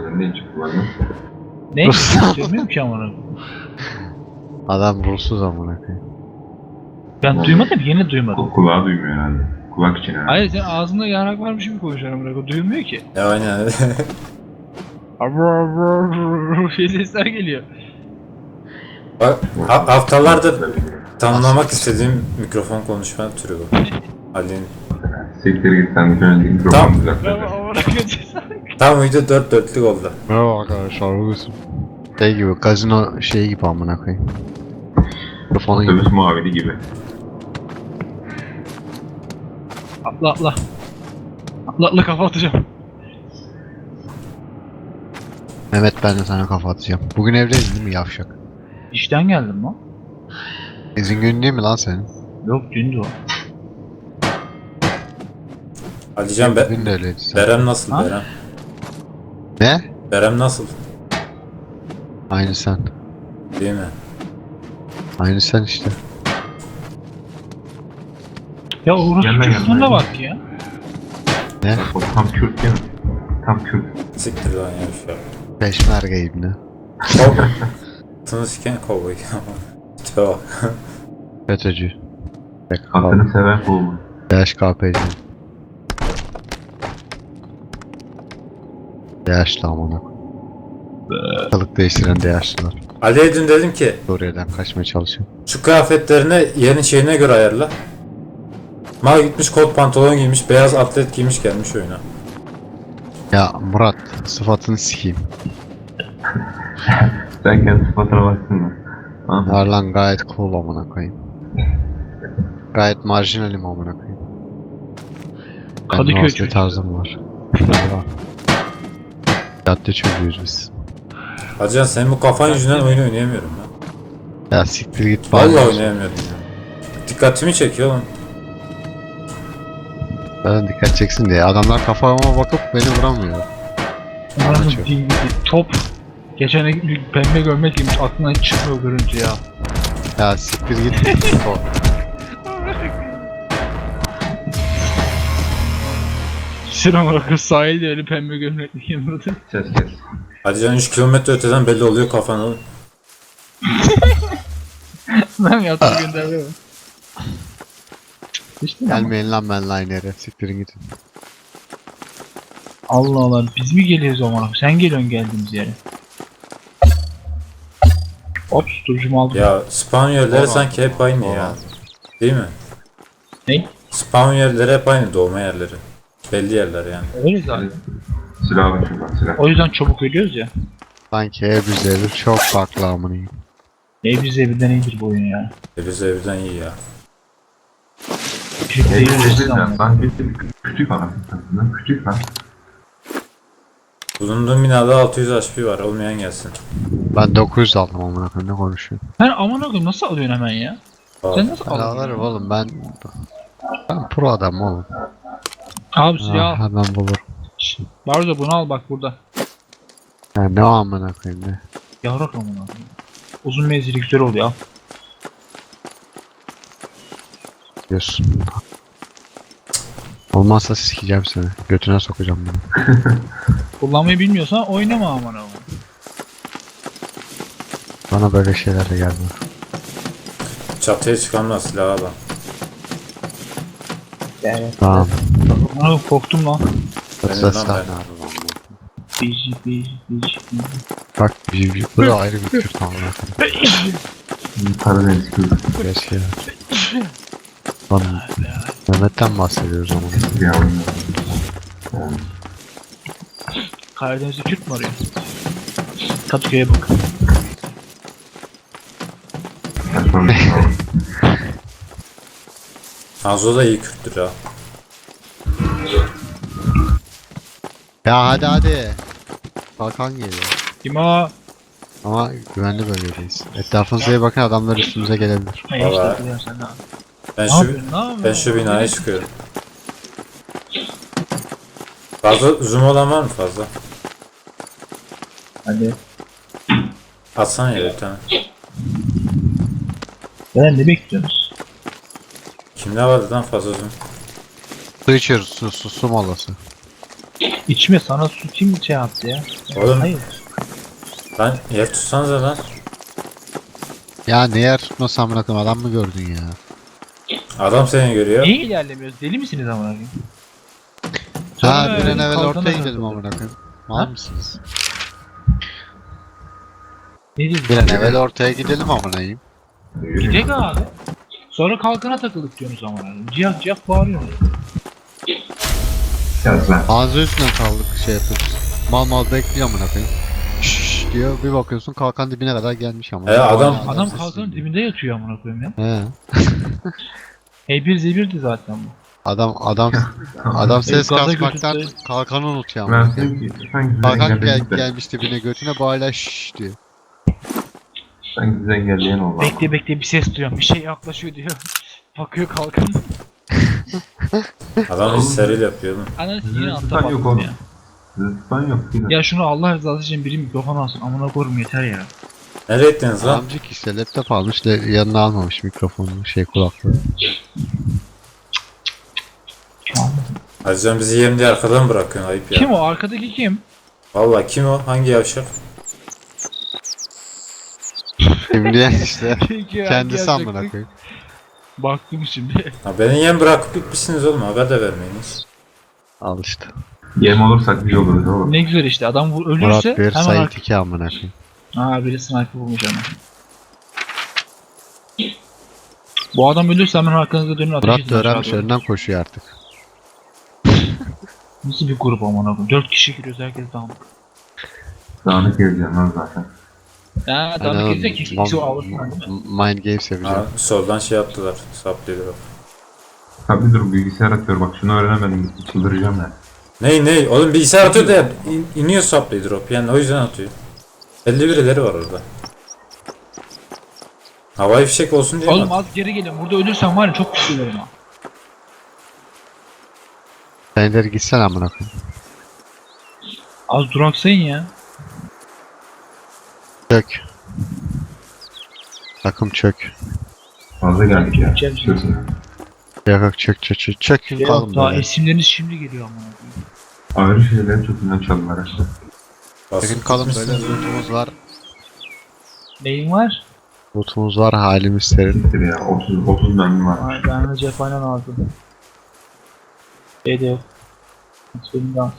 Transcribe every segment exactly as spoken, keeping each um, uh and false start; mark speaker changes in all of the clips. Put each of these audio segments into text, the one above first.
Speaker 1: Ne çıktı bana?
Speaker 2: Ne? Söylemiyorum ki amına.
Speaker 3: Adam ruhsuz amına koyayım.
Speaker 2: Ben duymadım, yeni duymadım.
Speaker 1: Ku- Kulağı duymuyor herhalde. Kulak için herhalde.
Speaker 2: Hayır, sen ağzında yarak varmış gibi konuşuyorsun amına. Duymuyor ki.
Speaker 4: Ya aynen.
Speaker 2: Şey sesler geliyor.
Speaker 4: Bak, ha- haftalardır tanımlamak istediğim mikrofon konuşma türü bu. Ali'nin.
Speaker 1: Siktir git sen bir önce mikrofonu
Speaker 4: Tamam.
Speaker 1: düzelt.
Speaker 2: Ben amına koyayım.
Speaker 4: Tam video dört dörtlük oldu.
Speaker 3: Merhaba arkadaşlar, bugün şey gibi, gazino şeyi gibi amına koyayım. Mikrofonu gibi.
Speaker 1: Otobüs muavini gibi.
Speaker 2: Atla atla. Atla atla, kafa atacağım.
Speaker 3: Mehmet, ben de sana kafa atacağım. Bugün evdeyiz değil mi yavşak?
Speaker 2: İşten geldim lan.
Speaker 3: İzin günü değil mi lan senin?
Speaker 2: Yok, dündü o.
Speaker 4: Alican be
Speaker 3: Bugün de öyleydi sen.
Speaker 4: Berem nasıl
Speaker 2: Ha?
Speaker 4: Berem?
Speaker 3: Ne?
Speaker 4: Berem nasıl?
Speaker 3: Aynı sen.
Speaker 4: Değil mi?
Speaker 3: Aynı sen işte.
Speaker 2: Ya orası
Speaker 1: Gelme, gelme.
Speaker 2: çocuğuna bak ya.
Speaker 3: Ne?
Speaker 1: O tam Kürt değil mi? Tam Kürt.
Speaker 4: Siktir lan ya şu an.
Speaker 3: Peşmerge ibne.
Speaker 4: Kovboy. Tını siken kovboy. Tipe bak.
Speaker 3: FETÖ'cü.
Speaker 1: Kadını seven kovboy.
Speaker 3: D H K P'ci. D H'lı amına koyayım. Kılık değiştiren D H'lılar.
Speaker 4: Ali'ye dün dedim ki
Speaker 3: Suriye'den kaçmaya çalışıyor.
Speaker 4: şu kıyafetlerini yerin şeyine göre ayarla. Mal gitmiş kot pantolon giymiş, beyaz atlet giymiş gelmiş oyuna.
Speaker 3: Ya Murat, sıfatını sikeyim.
Speaker 1: Sen kendi sıfatına baksana. Ha?
Speaker 3: Var lan, gayet cool amına koyayım. Gayet marjinalim amına koyayım.
Speaker 2: Kadıköy
Speaker 3: Benim
Speaker 2: çocuğu.
Speaker 3: tarzım var. Merhaba. Cadde çocuğuyuz biz.
Speaker 4: Hacıcan senin bu kafan yüzünden oyun oynayamıyorum ben.
Speaker 3: Ya siktir git.
Speaker 4: Vallahi
Speaker 3: bari.
Speaker 4: oynayamıyorum ya. Dikkatimi çekiyor lan.
Speaker 3: Zaten dikkat çeksin diye. Adamlar kafama bakıp beni vuramıyor.
Speaker 2: Buranın
Speaker 3: Anlatıyorum.
Speaker 2: dil- top. Geçen bir pembe gömlek giymiş, aklından hiç çıkmıyor görüntü ya.
Speaker 3: Ya siktir git. O.
Speaker 2: Sıram olarak sahilde öyle pembe gömlekli giymiş.
Speaker 1: Ses kes.
Speaker 4: Hacıcan üç kilometre öteden belli oluyor kafan oğlum.
Speaker 2: Ben yatıp gönderdim. İşte ama.
Speaker 3: Gelmeyin lan benimle aynı yere. Siktirin gidin.
Speaker 2: Allah Allah, biz mi geliyoruz o zaman? Sen geliyorsun geldiğimiz yere. Hop, tutucumu aldım.
Speaker 4: Ya spawn yerleri
Speaker 3: Doğru.
Speaker 4: sanki hep aynı ya.
Speaker 3: Doğru.
Speaker 4: Değil mi?
Speaker 2: Ne?
Speaker 4: Spawn yerleri hep aynı, doğma yerleri. Belli yerler yani.
Speaker 2: Öyle zaten.
Speaker 1: Silah var şuradan silah.
Speaker 2: O yüzden çabuk ölüyoruz ya.
Speaker 3: Sanki ev üzeri çok farklı amına.
Speaker 2: Ne bize birden iyidir bu oyun ya.
Speaker 4: E biz evden iyi ya.
Speaker 2: Küçük
Speaker 1: Ne
Speaker 2: değil
Speaker 1: diyeceğiz
Speaker 2: ama.
Speaker 1: lan? Sanki küçük falan. Lan küçük lan.
Speaker 4: Bulunduğum binada altı yüz H P var, olmayan gelsin.
Speaker 3: Ben dokuz yüz aldım amına koyayım, ne konuşuyorsun?
Speaker 2: Sen aman akım nasıl alıyorsun hemen ya?
Speaker 4: Aa,
Speaker 2: Sen nasıl
Speaker 3: Ben
Speaker 2: alıyorsun?
Speaker 3: alırım oğlum, ben ben pro adam oğlum.
Speaker 2: Abi
Speaker 3: Ha,
Speaker 2: ya.
Speaker 3: hemen bulurum.
Speaker 2: Barzo bunu al bak burada.
Speaker 3: Ya ne o amına koyayım ne?
Speaker 2: Yavrak aman akım. Uzun menzili güzel oluyor al.
Speaker 3: Diyorsun. Olmazsa sikeceğim seni. Götüne sokacağım bunu.
Speaker 2: Kullanmayı bilmiyorsan oynama aman akım.
Speaker 3: Bana böyle şeylerle gelme.
Speaker 4: çatıya çıkan da silahı alan.
Speaker 2: Yani.
Speaker 3: Tamam.
Speaker 2: Aman korktum lan.
Speaker 4: Benim
Speaker 3: Yoksa
Speaker 4: lan
Speaker 3: silah
Speaker 4: ben.
Speaker 3: ne abi lan bu?
Speaker 2: Biji biji biji.
Speaker 3: Bak bir, bir, bu da ayrı bir tür tamam.
Speaker 1: Karadeniz Kürt.
Speaker 3: Keşke ya. Lan Mehmet'ten bahsediyoruz ama.
Speaker 1: Ya oyun. Yani.
Speaker 2: Karadeniz'de Kürt mü arıyor? Kadıköy'e bak.
Speaker 1: Saçma bir şey var.
Speaker 4: Hanzo da iyi Kürttür ha.
Speaker 3: Ya hadi hadi. Kalkan geliyor.
Speaker 2: Kim o?
Speaker 3: Ama güvenli bölgedeyiz. Etrafınıza iyi bakın, adamlar üstümüze gelebilir.
Speaker 2: Ne
Speaker 4: Valla.
Speaker 2: işte biliyorsun sen ne yapıyorsun?
Speaker 4: Ben
Speaker 2: Ne
Speaker 4: şu
Speaker 2: yapıyorsun? Ne yapıyorsun?
Speaker 4: ben şu binaya çıkıyorum. Fazla zoom olan var mı fazla?
Speaker 2: Hadi.
Speaker 4: Atsana yere bir tane.
Speaker 2: Ben ne bekliyorsunuz?
Speaker 4: Kimde vardı lan fazla zoom?
Speaker 3: Su içiyoruz, su, su, su molası.
Speaker 2: İçme, sana su kim şey yaptı ya?
Speaker 4: Oğlum
Speaker 2: Hayır.
Speaker 4: lan yer tutsanıza lan.
Speaker 3: Ya ne yer tutmasam bırakın adam mı gördün ya?
Speaker 4: Adam seni görüyor.
Speaker 2: Niye ilerlemiyoruz? Deli misiniz amına koyayım?
Speaker 3: Ha
Speaker 2: Sonra
Speaker 3: bir an
Speaker 2: öyle
Speaker 3: evvel
Speaker 2: kalkana
Speaker 3: ortaya gidelim
Speaker 2: takıldı.
Speaker 3: amına koyayım. Mal
Speaker 2: Ha?
Speaker 3: mısınız?
Speaker 2: Ne diyorsun?
Speaker 3: Bir an evvel ortaya gidelim amına koyayım.
Speaker 2: Gidek abi. Sonra kalkana takılıp diyorsunuz amına koyayım. Ciyak ciyak bağırıyorsunuz.
Speaker 1: Yaz lan.
Speaker 3: Ağzı üstüne kaldık şey yapıyoruz. Mal mal bekliyor amına koyayım. Şşş diyor bir bakıyorsun kalkan dibine kadar gelmiş ama.
Speaker 4: He, adam-
Speaker 3: Hala
Speaker 2: Adam
Speaker 3: sessiz
Speaker 2: kalkanın
Speaker 3: diyor.
Speaker 2: dibinde yatıyor amına koyayım ya.
Speaker 3: He.
Speaker 2: H bir Z bir'di zaten bu.
Speaker 3: Adam adam adam ses
Speaker 2: gaza
Speaker 3: kasmaktan
Speaker 2: götürdü.
Speaker 3: kalkanı unutuyor
Speaker 1: Ben
Speaker 3: amına koyayım.
Speaker 1: dedim ki sen güzel
Speaker 3: Kalkan gel,
Speaker 1: engelledin de.
Speaker 3: gelmiş dibine götüne bu hala şşş diyor.
Speaker 1: Sen güzel engelleyen ol lan.
Speaker 2: Bekle bekle bir ses duyuyorum. Bir şey yaklaşıyor diyor. Bakıyor kalkan.
Speaker 4: Adam hisseriyle yapıyor lan.
Speaker 2: Ananı yine altta
Speaker 1: Zıplan yok
Speaker 2: baktım
Speaker 1: oğlum.
Speaker 2: ya.
Speaker 1: Zıplan yok. Bir de.
Speaker 2: Ya şunu Allah rızası için biri mikrofon alsın. Amına koyayım yeter ya.
Speaker 4: Nereye ettiniz lan?
Speaker 3: Amcık işte laptop almış da yanına almamış mikrofonu şey kulaklığı.
Speaker 4: Hacıcan bizi yem diye arkadan bırakıyorsun, ayıp ya.
Speaker 2: Kim o? Arkadaki kim?
Speaker 4: Valla kim o? Hangi yavşak?
Speaker 3: Şimdi işte
Speaker 2: Peki,
Speaker 3: kendisi
Speaker 2: hangi
Speaker 3: amına
Speaker 2: yavşak?
Speaker 3: koyayım.
Speaker 2: Baktım şimdi.
Speaker 4: Ha, beni yem bırakıp gitmişsiniz oğlum, haber de vermeyiniz.
Speaker 3: Al işte.
Speaker 1: Yem olursak biz oluruz oğlum.
Speaker 2: Ne güzel işte. Adam vur-
Speaker 3: Murat
Speaker 2: ölürse
Speaker 3: bir
Speaker 2: hemen
Speaker 3: Sait
Speaker 2: ar-
Speaker 3: iki amına koyayım.
Speaker 2: Aa biri sniper bulmuş ama. Bu adam ölürse hemen arkanıza dönün ateş
Speaker 3: Murat
Speaker 2: edin
Speaker 3: da öğrenmiş
Speaker 2: aşağı doğru.
Speaker 3: önünden koşuyor artık.
Speaker 2: Nasıl bir grup amına koyayım? Dört kişi giriyoruz herkes dağınık.
Speaker 1: Dağınık gezeceğim lan zaten.
Speaker 2: Ha
Speaker 3: Hani
Speaker 2: dağınık
Speaker 3: oğlum,
Speaker 2: girecek ki
Speaker 3: mam-
Speaker 2: ikisi o alırsın değil mi?
Speaker 3: Mind Games yapacağım.
Speaker 4: Ha, soldan şey yaptılar, saplıyorlar.
Speaker 1: Tabi dur bilgisayar atıyor bak şunu öğrenemedim çıldıracağım ben.
Speaker 4: Ney ney? Oğlum bilgisayar atıyor da ya, in, iniyor saplıyor drop, yani o yüzden atıyor. elli birileri var orada. Havai fişek olsun diye mi
Speaker 2: Oğlum
Speaker 4: atıyor?
Speaker 2: az geri gelin. Burada ölürsen var ya çok pişiririm ha.
Speaker 3: Sen ileri gitsen amına koyayım.
Speaker 2: Az duraksayın ya.
Speaker 3: Çök. Takım çök.
Speaker 1: Fazla geldik ya.
Speaker 2: Çek, çek.
Speaker 1: Çözün.
Speaker 3: Yok yok çök çök çök. Çök
Speaker 2: Ya
Speaker 3: kalın
Speaker 2: daha
Speaker 3: böyle.
Speaker 2: isimleriniz şimdi geliyor amına koyayım.
Speaker 1: Ayrı şeylerin çözümden çaldılar işte.
Speaker 4: Basıp
Speaker 3: Çökün kalın böyle
Speaker 4: gitmişsiniz.
Speaker 3: lootumuz var.
Speaker 2: Neyin var?
Speaker 3: Lootumuz var halimiz serin.
Speaker 1: Siktir ya otuz otuz mermi var.
Speaker 2: Ay ben de cephane lazım. Şey de yok. Benim de az.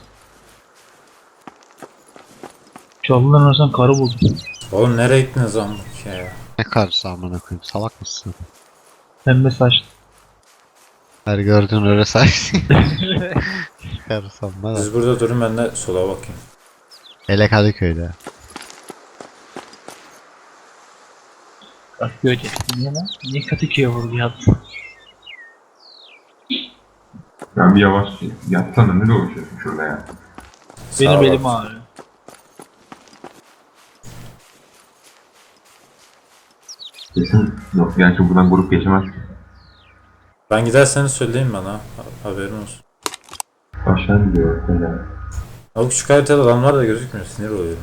Speaker 2: Çalıların arasından karı buldum.
Speaker 4: Oğlum nereye gittiniz lan bu ya?
Speaker 3: Ne karısı amına koyayım salak mısın?
Speaker 2: Pembe saçlı.
Speaker 3: Her gördüğün öyle saysın. Karısı amma da.
Speaker 4: Siz burada durun, ben de sola bakayım.
Speaker 3: Hele Kadıköy'de.
Speaker 2: Bak göreceksin niye lan? Niye Katıköy'e vurdu yazdın?
Speaker 1: Ben bir yavaş yatsana ne dolaşıyorsun şurada ya.
Speaker 2: Benim
Speaker 4: Sağa
Speaker 2: elim
Speaker 4: bak.
Speaker 2: ağrıyor.
Speaker 1: Kesin yok gerçi buradan grup geçemez.
Speaker 4: Ben giderseniz söyleyin bana, ha- haberin olsun.
Speaker 1: Aşağı gidiyor böyle.
Speaker 4: O küçük haritada adamlar da gözükmüyor, sinir oluyorum.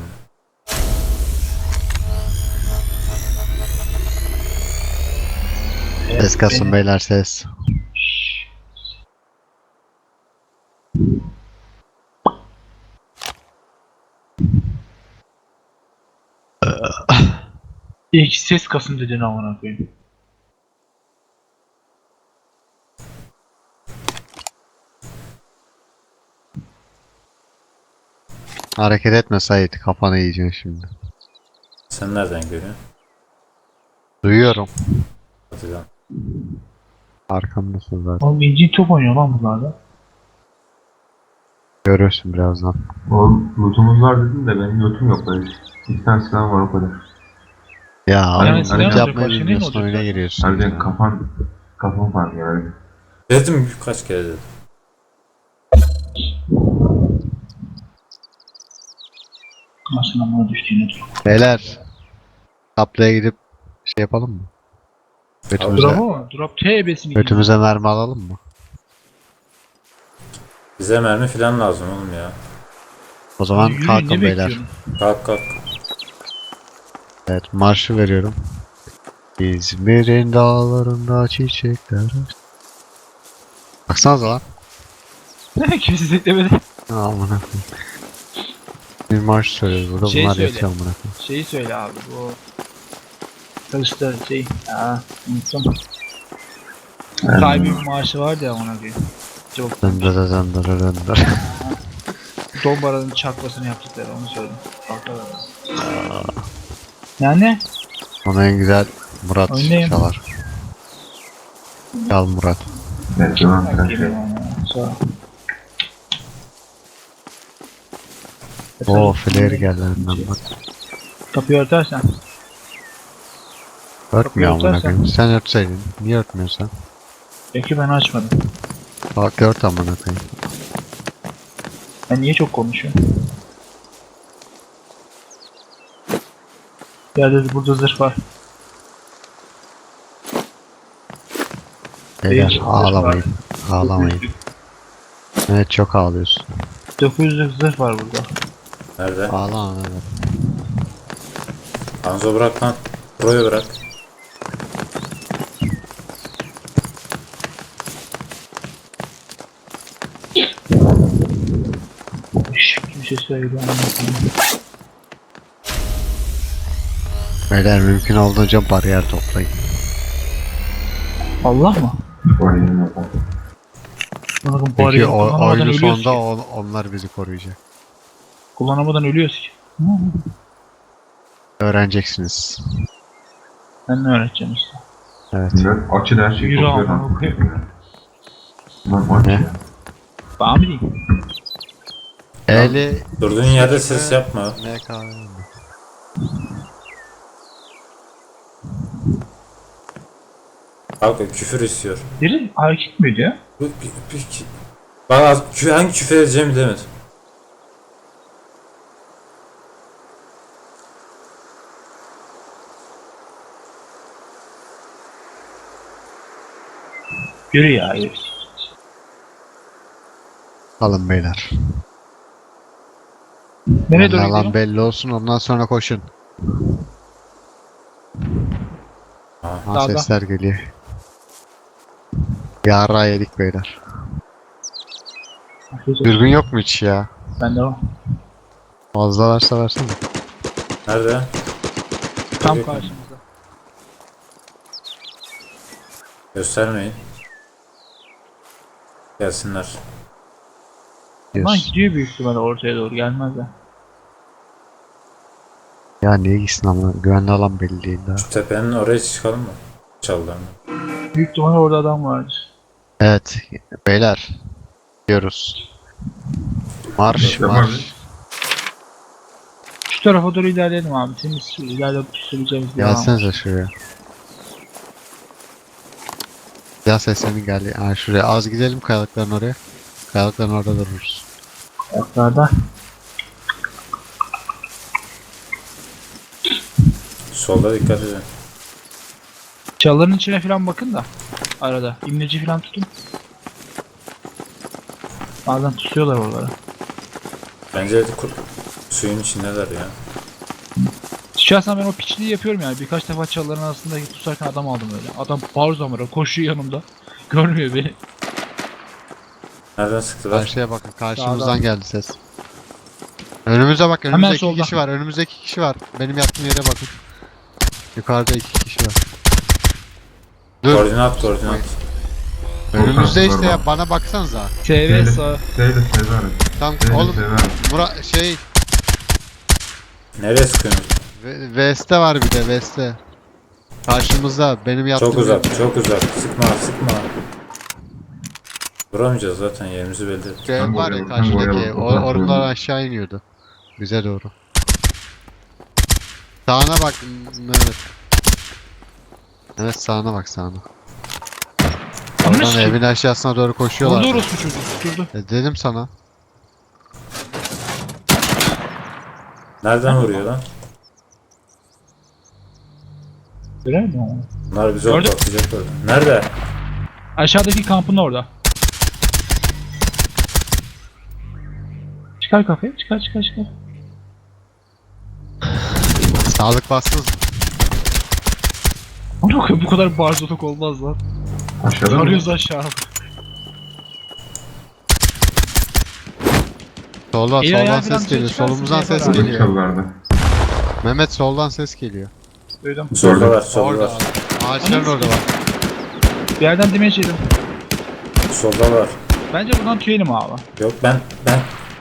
Speaker 3: Ses kasın beyler ses.
Speaker 2: İlk ses kasım dedin amına koyayım.
Speaker 3: Hareket etme Sait kafanı yiyeceksin şimdi.
Speaker 4: Sen nereden görüyorsun?
Speaker 3: Duyuyorum.
Speaker 4: Hadi lan.
Speaker 3: Arkamdasın zaten.
Speaker 2: Oğlum inci top oynuyor lan bunlarda.
Speaker 3: Görürsün birazdan.
Speaker 1: Oğlum lootumuz var dedim de benim lootum yok böyle. İki tane silah var o kadar.
Speaker 3: Ya
Speaker 2: Yani
Speaker 3: hani
Speaker 2: silah
Speaker 3: hani
Speaker 2: olacak,
Speaker 3: yapmayı
Speaker 2: başka ne
Speaker 3: bilmiyorsun
Speaker 2: olacak
Speaker 3: oyuna
Speaker 2: zaten?
Speaker 3: giriyorsun.
Speaker 1: Harbiden
Speaker 3: ya.
Speaker 1: kafan kafan var ya öyle.
Speaker 4: Dedim kaç kere dedim.
Speaker 2: Nasıl amına düştüğüne dur.
Speaker 3: Beyler. Taplaya gidip şey yapalım mı? Götümüze,
Speaker 2: Drop ama drop T ebesini
Speaker 3: götümüze mermi alalım mı?
Speaker 4: Bize mermi falan lazım oğlum ya.
Speaker 3: O zaman
Speaker 2: Yürü,
Speaker 3: kalkın
Speaker 2: ne
Speaker 3: beyler.
Speaker 2: bekliyorsun?
Speaker 4: Kalk kalk.
Speaker 3: Evet marşı veriyorum. İzmir'in dağlarında çiçekler. Baksanıza lan.
Speaker 2: Kimse beklemedi.
Speaker 3: Aman Bir marş söylüyoruz burada.
Speaker 2: Şey
Speaker 3: Bunlar
Speaker 2: söyle.
Speaker 3: yetiyor amına koyayım.
Speaker 2: Şeyi söyle abi bu. Kılıçlar şey. Aa unuttum. Kaybın marşı vardı ya ona bir. Çok
Speaker 3: Döndüre döndüre döndüre.
Speaker 2: Dombara'nın çakmasını yaptıkları onu söyle. Yani
Speaker 3: Ona en güzel Murat
Speaker 2: Oynayayım.
Speaker 3: çalar. Çal Murat.
Speaker 1: Evet, tamam.
Speaker 2: bak
Speaker 1: Sen
Speaker 2: geliyor
Speaker 1: şey.
Speaker 2: bana. Sağ ol.
Speaker 3: Oo flare geldi önünden bak.
Speaker 2: Kapıyı örtersen.
Speaker 3: Örtmüyor amına
Speaker 2: örtersen.
Speaker 3: koyayım. Sen örtseydin. Niye örtmüyorsun?
Speaker 2: Peki ben açmadım.
Speaker 3: Bak ört amına koyayım.
Speaker 2: Ben niye çok konuşuyorum? Yerde burada zırh var.
Speaker 3: Beyler
Speaker 2: Değil,
Speaker 3: ağlamayın. Ağlamayın. Evet çok ağlıyorsun.
Speaker 2: dokuz yüzlük zırh var burada.
Speaker 4: Nerede?
Speaker 3: Ağlama evet.
Speaker 4: Hanzo bırak lan. Pro'yu bırak.
Speaker 2: Şşş, kimse söylüyor anlatayım.
Speaker 3: Beyler mümkün olduğunca bariyer toplayın.
Speaker 2: Allah mı?
Speaker 1: Oynayayım bakalım.
Speaker 2: Bakın
Speaker 3: Çünkü
Speaker 2: bariyer
Speaker 3: o,
Speaker 2: kullanamadan
Speaker 3: oyunun
Speaker 2: ölüyoruz
Speaker 3: sonunda
Speaker 2: ki.
Speaker 3: on- onlar bizi koruyacak.
Speaker 2: Kullanamadan ölüyoruz ki.
Speaker 3: Öğreneceksiniz.
Speaker 2: Ben ne öğreteceğim işte.
Speaker 3: Evet.
Speaker 1: Şimdi açı da her şeyi
Speaker 2: Yürü
Speaker 1: topluyor
Speaker 2: amına
Speaker 1: lan.
Speaker 2: koyayım.
Speaker 1: Lan aç
Speaker 3: Ne?
Speaker 1: ya.
Speaker 2: Bana mı diyeyim?
Speaker 3: Eli
Speaker 4: Durduğun yerde ses yapma.
Speaker 3: ne kahve mi?
Speaker 4: Bak küfür istiyor.
Speaker 2: Biri hareket mi ediyor?
Speaker 4: Bu bir, bir, bir, bak az, kü, hangi küfür edeceğimi bilemedim.
Speaker 2: Yürü ya yürü.
Speaker 3: Alın beyler.
Speaker 2: Nereye doğru
Speaker 3: Lan
Speaker 2: gidiyorsun?
Speaker 3: belli olsun ondan sonra koşun.
Speaker 4: Ha.
Speaker 3: Ha
Speaker 2: Sağda.
Speaker 3: sesler geliyor. Yara yedik beyler. Dürbün yok mu hiç ya?
Speaker 2: Bende var.
Speaker 3: Fazla varsa versene.
Speaker 4: Nerede?
Speaker 2: Tam
Speaker 4: Yok.
Speaker 2: karşımızda.
Speaker 4: Göstermeyin. Gelsinler.
Speaker 2: Lan
Speaker 3: Diyorsun.
Speaker 2: gidiyor büyük ihtimalle ortaya doğru gelmez ya.
Speaker 3: Ya niye gitsin ama güvenli alan belli değil daha.
Speaker 4: Şu tepenin oraya çıkalım mı? Çalılarını.
Speaker 2: Büyük ihtimalle orada adam vardır.
Speaker 3: Evet beyler. Gidiyoruz. Marş
Speaker 1: Tamam.
Speaker 3: marş.
Speaker 2: Şu tarafa doğru ilerleyelim abi. Senin şu ileride süreceğimiz bir alan var.
Speaker 3: Gelsenize şuraya. Ya seslerin geldi. Ha şuraya az gidelim kayalıkların oraya. Kayalıkların orada dururuz.
Speaker 2: Ayaklarda.
Speaker 4: Solda dikkat edin.
Speaker 2: Çalıların içine falan bakın da. Arada. İmleci falan tutun. Bazen tutuyorlar oraları.
Speaker 4: Bence kur- suyun içindeler ya.
Speaker 2: Şahsen ben o piçliği yapıyorum yani. Birkaç defa çalıların arasında tutarken adam aldım öyle. Adam bağır zamara koşuyor yanımda. Görmüyor beni.
Speaker 4: Nereden sıktılar?
Speaker 3: Karşıya bakın. Karşımızdan
Speaker 2: Sağdan.
Speaker 3: geldi ses. Önümüze bak. Önümüzde iki
Speaker 2: solda.
Speaker 3: kişi var. Önümüzde iki kişi var. Benim yattığım yere bakın. Yukarıda iki kişi var. Dur.
Speaker 4: Koordinat koordinat.
Speaker 3: Önümüzde işte
Speaker 1: Oradan.
Speaker 3: ya. Bana baksanıza.
Speaker 2: T V sağ.
Speaker 1: Şeyle severim.
Speaker 3: Tam
Speaker 1: Şeyle
Speaker 3: oğlum.
Speaker 1: severim.
Speaker 3: Murat şey.
Speaker 4: Nereye sıkıyorsunuz?
Speaker 3: Ve- Veste var bir de Veste. Karşımızda. Benim yattığım
Speaker 4: Çok uzak,
Speaker 3: yer.
Speaker 4: çok uzak. Sıkma, sıkma. Vuramayacağız zaten yerimizi belli ettik.
Speaker 3: Şu ev
Speaker 1: Tam
Speaker 3: var
Speaker 1: oraya
Speaker 3: ya
Speaker 1: bak, tam oraya
Speaker 3: karşıdaki.
Speaker 1: bak,
Speaker 3: O,
Speaker 1: oradan
Speaker 3: oradan
Speaker 1: sonra.
Speaker 3: aşağı iniyordu. Bize doğru. Sağına bak Mehmet. Evet sağına bak sağına. Oradan
Speaker 2: Nasıl?
Speaker 3: evin aşağısına doğru koşuyorlar.
Speaker 2: Vurdu orospu çocuğu. Tutturdu.
Speaker 3: E, dedim sana.
Speaker 4: Nereden vuruyor lan?
Speaker 2: Görer mi onu?
Speaker 4: Bunlar bizi
Speaker 2: Gördüm.
Speaker 4: ortalayacak orada. Nerede?
Speaker 2: Aşağıdaki kampın orada. Çıkar kafayı. Çıkar çıkar çıkar.
Speaker 3: Sağlık bassız.
Speaker 2: Onu koy bu kadar barzoluk olmaz lan.
Speaker 1: Aşağıda mı?
Speaker 2: Arıyoruz aşağı.
Speaker 3: Solda,
Speaker 2: İyi, ayağı
Speaker 3: soldan
Speaker 2: falan
Speaker 3: ses geliyor.
Speaker 2: çıkarsın
Speaker 3: Solumuzdan
Speaker 2: diye
Speaker 3: ses
Speaker 2: falan.
Speaker 3: geliyor.
Speaker 1: Çalılarda.
Speaker 3: Mehmet soldan ses geliyor.
Speaker 2: Duydum.
Speaker 4: Soldalar, soldalar.
Speaker 3: Orada. Ağaçların orada var.
Speaker 2: Bir yerden damage yedim.
Speaker 4: Soldalar.
Speaker 2: Bence buradan tüyelim abi.
Speaker 4: Yok ben ben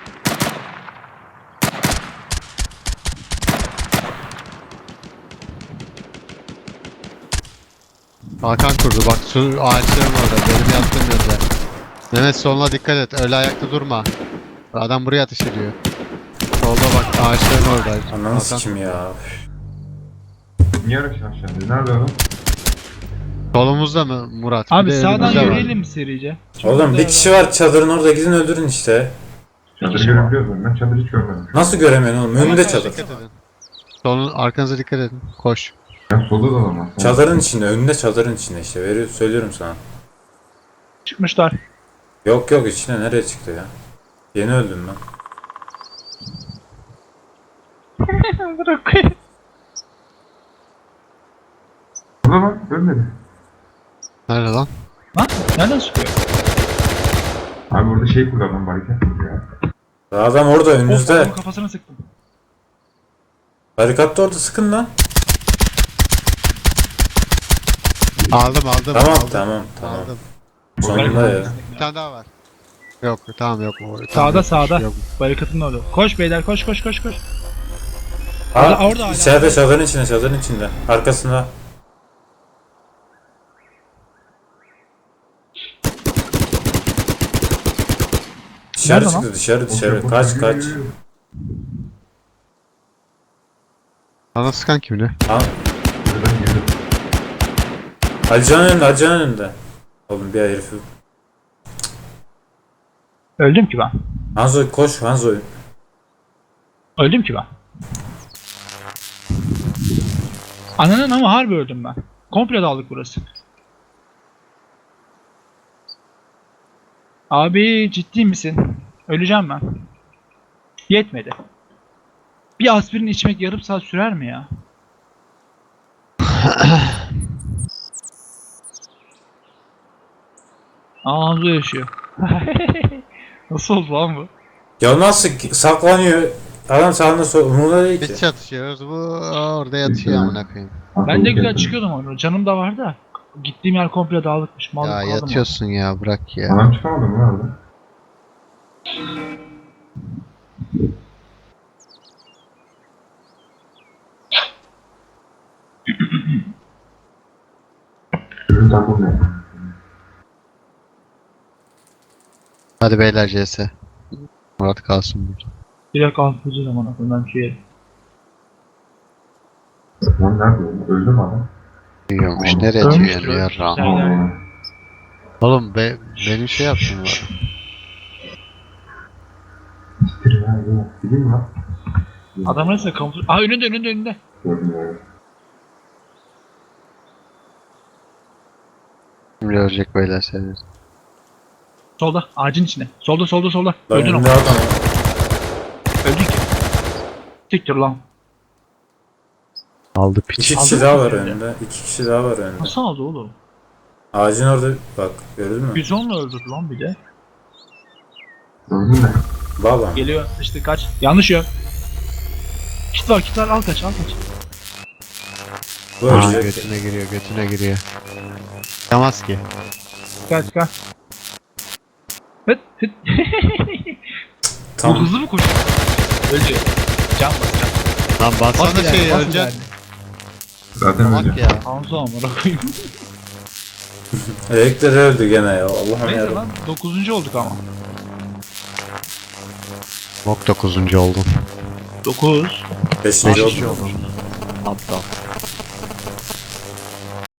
Speaker 3: Hakan kurdu. Bak şu ağaçların orada. Benim yattığım yerde. Mehmet soluna dikkat et. Öyle ayakta durma. Adam buraya ateş ediyor. Solda bak ağaçların orada.
Speaker 4: ananı
Speaker 3: Hakan.
Speaker 4: sikim ya.
Speaker 1: Niye araç aşağıda? Nerede adam?
Speaker 3: Solumuzda mı Murat? Bir
Speaker 2: Abi
Speaker 3: de
Speaker 2: sağdan
Speaker 3: önümüzde var.
Speaker 2: yürüyelim mi serice?
Speaker 4: Oğlum bir kişi var çadırın orada, gidin öldürün işte.
Speaker 1: Çadırı görebiliyorum ben. Çadırı hiç görmedim.
Speaker 4: Nasıl göremiyorsun oğlum? Önünde
Speaker 3: Dikkat
Speaker 4: çadır.
Speaker 3: edin. Solun arkanıza dikkat edin. Koş.
Speaker 1: Ya solda da adam var.
Speaker 4: Çadırın içinde, önünde çadırın içinde işte. Veriyor, söylüyorum sana.
Speaker 2: Çıkmışlar.
Speaker 4: Yok yok, içine nereye çıktı ya? Yeni öldüm ben.
Speaker 2: Bırak.
Speaker 1: Burada var. Ölmedi.
Speaker 3: Nerede lan?
Speaker 2: Lan nereden çıkıyor?
Speaker 1: Abi burada şey kullandım barikat ya.
Speaker 4: Adam orada
Speaker 2: Of,
Speaker 4: önünüzde.
Speaker 2: adamın kafasına sıktım.
Speaker 4: Barikatta orada, sıkın lan.
Speaker 3: Aldım aldım.
Speaker 4: Tamam
Speaker 3: aldım.
Speaker 4: tamam tamam.
Speaker 3: Aldım.
Speaker 4: Sonunda ya.
Speaker 3: Bir tane daha var. Yok tamam yok. O-
Speaker 2: Sağda,
Speaker 3: tamam, yok,
Speaker 2: sağda.
Speaker 3: yok.
Speaker 2: Barikatın orada. Koş beyler, koş koş koş koş.
Speaker 4: Ha,
Speaker 2: Orada- orada hala.
Speaker 4: içeride çadırın içinde, çadırın içinde. Arkasında. Dışarı
Speaker 2: Nerede
Speaker 4: çıktı, dışarı dışarı. Kaç kaç.
Speaker 3: Sana sıkan kim ne?
Speaker 4: Ha,
Speaker 1: Buradan girdim.
Speaker 4: Alican'ın önünde, Alican'ın önünde. Oğlum bir herifi.
Speaker 2: Öldüm ki ben.
Speaker 4: Hanzo koş, Hanzo.
Speaker 2: Öldüm ki ben. Ananın ama harbi öldüm ben. Komple dağıldık burası. Abi ciddi misin? Öleceğim ben. Yetmedi. Bir aspirin içmek yarım saat sürer mi ya? Aa Hanzo yaşıyor. Nasıl oldu lan bu?
Speaker 4: Ya nasıl ki- saklanıyor? Adam sağında sol. Umurda değil ki.
Speaker 3: Biz çatışıyoruz. Bu orada yatıyor amına koyayım.
Speaker 2: Ben de güzel çıkıyordum onu. Canım da vardı da. Gittiğim yer komple dağılıkmış. Mal
Speaker 3: Ya
Speaker 2: kaldım
Speaker 3: yatıyorsun ya bırak ya.
Speaker 1: Adam çıkamadı mı orada? Ürün takım ne?
Speaker 3: Hadi beyler C S. Murat kalsın burada.
Speaker 2: Direkt altıncı zaman aklımdan şey yerim.
Speaker 1: Lan nerede öldü? Öldü mü adam?
Speaker 3: Yiyormuş. Nereye
Speaker 2: Ölmüştür,
Speaker 3: atıyor ya?
Speaker 2: ölmüştür.
Speaker 3: Ram.
Speaker 2: Aynen.
Speaker 1: Allah.
Speaker 3: Oğlum be, benim şey yaptım var.
Speaker 1: İstir ya. ya. Gideyim mi lan?
Speaker 2: Adam nasıl kamufle... Aa önünde önünde önünde.
Speaker 1: Gördüm ya.
Speaker 3: Şimdi ölecek beyler seni.
Speaker 2: Solda ağacın içinde. Solda solda solda.
Speaker 4: Lan
Speaker 2: Öldün
Speaker 4: önünde
Speaker 2: ama.
Speaker 4: adam.
Speaker 2: Öldün ki. Siktir lan.
Speaker 3: Aldı piç.
Speaker 4: İki
Speaker 2: Aldın
Speaker 4: kişi
Speaker 2: mı
Speaker 4: daha var
Speaker 2: önünde?
Speaker 4: önünde. İki kişi daha var önünde.
Speaker 2: Nasıl aldı oğlum?
Speaker 4: Ağacın orada bak, gördün mü?
Speaker 2: yüz onla öldürdü lan bir de.
Speaker 1: Gördün mü?
Speaker 4: Bağlan.
Speaker 2: Geliyor işte kaç. Yanlış yön. Kit var kit var al kaç al kaç.
Speaker 4: Bu
Speaker 3: Aa,
Speaker 4: ölecek.
Speaker 3: götüne giriyor götüne giriyor. Çıkamaz ki.
Speaker 2: Kaç kaç. Hıt hıt. Bu
Speaker 4: Tam
Speaker 2: hızlı mı koşuyor? Öldü. Can bas can.
Speaker 3: Lan bassana
Speaker 2: Bas
Speaker 3: şey
Speaker 2: ileride, bas
Speaker 3: öleceksin.
Speaker 2: ileride.
Speaker 1: Zaten
Speaker 3: Bak
Speaker 1: öldü.
Speaker 3: ya.
Speaker 2: Hanzo amına koyayım.
Speaker 4: elektriği öldü gene ya. Allah'ım
Speaker 2: Neyse
Speaker 4: yarabbim.
Speaker 2: lan dokuzuncu olduk ama.
Speaker 3: Bok dokuzuncu oldum.
Speaker 2: dokuz.
Speaker 4: Beşinci
Speaker 3: Beşinci
Speaker 4: oldu.
Speaker 3: oldum. Aptal.